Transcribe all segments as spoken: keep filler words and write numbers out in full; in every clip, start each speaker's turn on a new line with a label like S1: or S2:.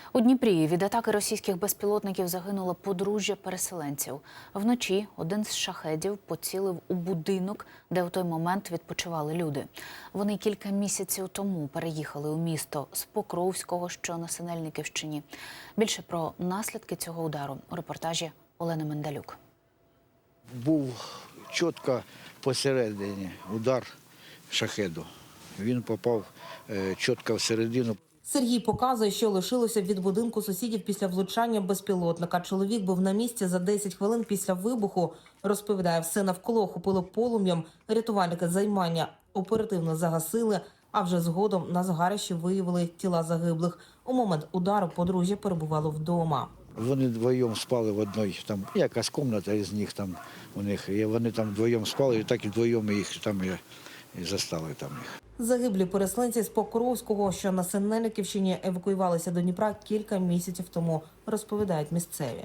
S1: У Дніпрі від атаки російських безпілотників загинуло подружжя переселенців. Вночі один з шахедів поцілив у будинок, де у той момент відпочивали люди. Вони кілька місяців тому переїхали у місто з Покровського, що на Синельниківщині. Більше про наслідки цього удару у репортажі Олени Мендалюк.
S2: Був чітко посередині удар шахеду. Він попав чітко всередину.
S3: Сергій показує, що лишилося від будинку сусідів після влучання безпілотника. Чоловік був на місці за десять хвилин після вибуху. Розповідає, все навколо охопило полум'ям. Рятувальники займання оперативно загасили, а вже згодом на згарищі виявили тіла загиблих. У момент удару подружжя перебувало вдома.
S2: Вони вдвоєм спали в одній, там якась кімната із них там у них. І вони там вдвоєм спали, і так і вдвоєм їх там і, і застали там їх.
S3: Загиблі переселенці з Покровського, що на Синельниківщині, евакуювалися до Дніпра кілька місяців тому, розповідають місцеві.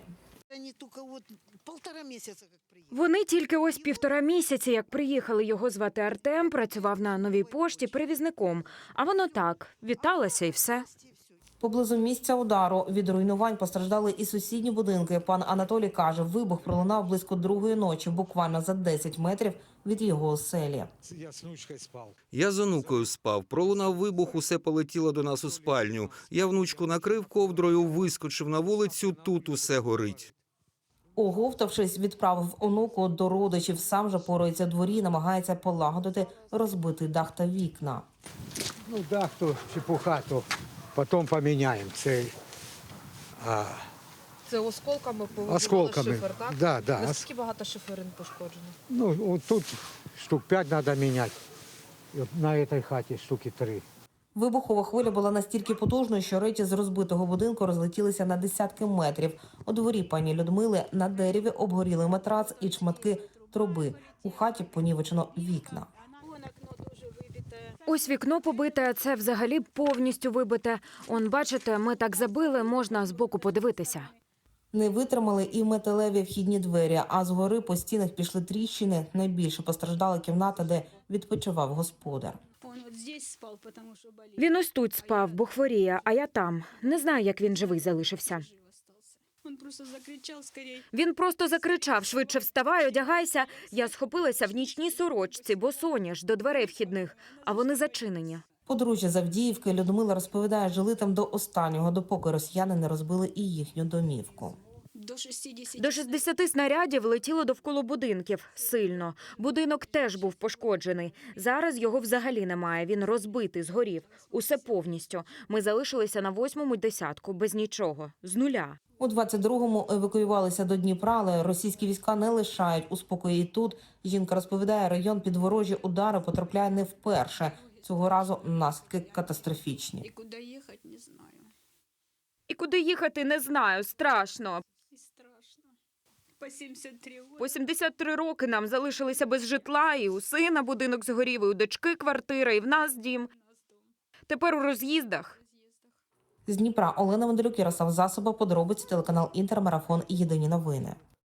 S4: Вони тільки ось півтора місяці, як приїхали. Його звати Артем, працював на Новій пошті перевізником. А воно так, віталося і все.
S3: Поблизу місця удару від руйнувань постраждали і сусідні будинки. Пан Анатолій каже, вибух пролунав близько другої ночі, буквально за десять метрів від його оселі.
S5: Я з внучкою спав.
S6: Я з онукою спав. Пролунав вибух, усе полетіло до нас у спальню. Я внучку накрив ковдрою, вискочив на вулицю, тут усе горить.
S3: Оговтавшись, відправив онуку до родичів. Сам же порується в дворі і намагається полагодити розбитий дах та вікна.
S5: Ну, дах то чепуха, то потім поміняємо. Це а,
S7: Це осколками повибивало
S5: осколками.
S7: шифер, так?
S5: Да, да.
S7: Наскільки багато шиферин пошкоджено?
S5: Ну, от тут штук п'ять треба міняти. І от на цій хаті штуки три.
S3: Вибухова хвиля була настільки потужною, що речі з розбитого будинку розлетілися на десятки метрів. У дворі пані Людмили на дереві обгоріли матрац і шматки труби. У хаті понівечено вікна.
S4: Ось вікно побите, а це взагалі повністю вибите. Он, бачите, ми так забили, можна збоку подивитися.
S3: Не витримали і металеві вхідні двері, а згори по стінах пішли тріщини. Найбільше постраждала кімната, де відпочивав господар.
S4: Він ось тут спав, бо хворіє, а я там. Не знаю, як він живий залишився. Він просто закричав, швидше вставай, одягайся. Я схопилася в нічній сорочці, бо соняш, до дверей вхідних, а вони зачинені.
S3: Подружжя з Авдіївки Людмила розповідає, жили там до останнього, допоки росіяни не розбили і їхню домівку.
S4: До шістдесяти снарядів летіло довкола будинків. Сильно. Будинок теж був пошкоджений. Зараз його взагалі немає. Він розбитий, згорів. Усе повністю. Ми залишилися на восьмому десятку, без нічого. З нуля.
S3: У двадцять другому евакуювалися до Дніпра, але російські війська не лишають у спокої і тут. Жінка розповідає, район під ворожі удари потрапляє не вперше. Цього разу наслідки катастрофічні.
S8: І куди їхати, не знаю.
S4: І куди їхати, не знаю. Страшно.
S8: І страшно. По сімдесят три роки.
S4: По сімдесят три роки нам залишилися без житла, і у сина будинок згорів, і у дочки квартира, і в нас дім. Тепер у роз'їздах.
S3: З Дніпра Олена Мендалюк, Ярослав Засоба, подробиці, телеканал Інтер, Марафон, Єдині новини.